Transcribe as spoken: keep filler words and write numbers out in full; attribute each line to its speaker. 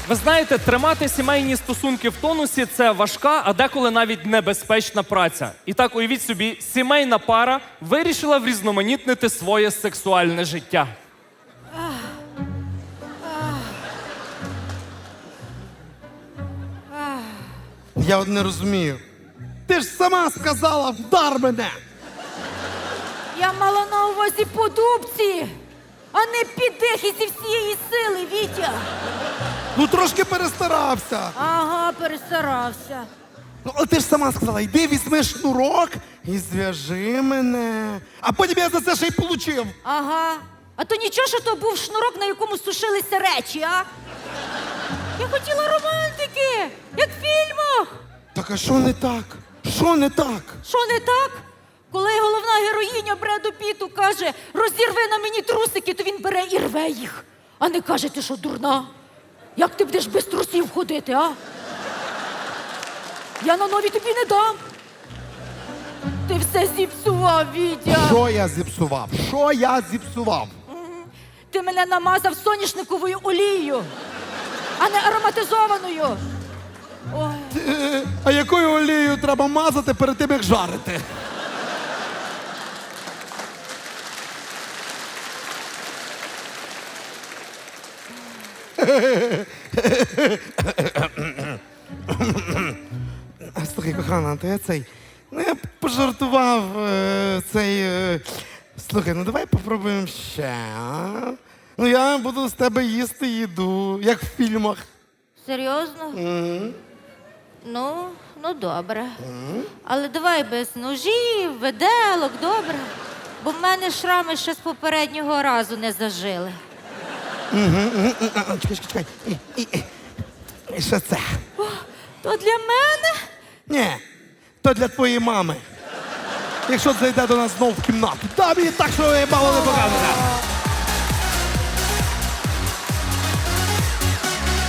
Speaker 1: Ви знаєте, тримати сімейні стосунки в тонусі – це важка, а деколи навіть небезпечна праця. І так, уявіть собі, сімейна пара вирішила врізноманітнити своє сексуальне життя.
Speaker 2: Я от не розумію. Ти ж сама сказала, вдар мене!
Speaker 3: Я мала на увазі по дубці, а не піддихи зі всієї сили, Вітя.
Speaker 2: Ну трошки перестарався.
Speaker 3: Ага, перестарався.
Speaker 2: Ну, але ти ж сама сказала, йди візьми шнурок і зв'яжи мене. А потім я за це ще й получив.
Speaker 3: Ага. А то нічого, що то був шнурок, на якому сушилися речі, а? Я хотіла романтики, як в фільмах.
Speaker 2: Так а що не так? Що не так?
Speaker 3: Що не так? Коли головна героїня Бреду Піту каже, розірви на мені трусики, то він бере і рве їх. А не каже, ти що, дурна? Як ти будеш без трусів ходити, а? Я на нові тобі не дам. Ти все зіпсував, Вітя.
Speaker 2: Що я зіпсував? Що я зіпсував?
Speaker 3: Ти мене намазав соняшниковою олією, а не ароматизованою. Ой.
Speaker 2: Е, а якою олією треба мазати перед тим, як жарити? Слухай, кохана, то я цей. Ну, я пожартував е, цей. Е, слухай, ну давай попробуємо ще. А? Ну я буду з тебе їсти їду, як в фільмах.
Speaker 3: Серйозно?
Speaker 2: М.
Speaker 3: Ну, ну добре. Але давай без ножів, виделок, добре? Бо в мене шрами ще з попереднього разу не зажили.
Speaker 2: Мгм, а, а, Чекай, чекай, чекай. І, і, і. І що це?
Speaker 3: То для мене?
Speaker 2: Ні, то для твоєї мами. Якщо зайде до нас знов в кімнату. Та мені так, що я мало не показує.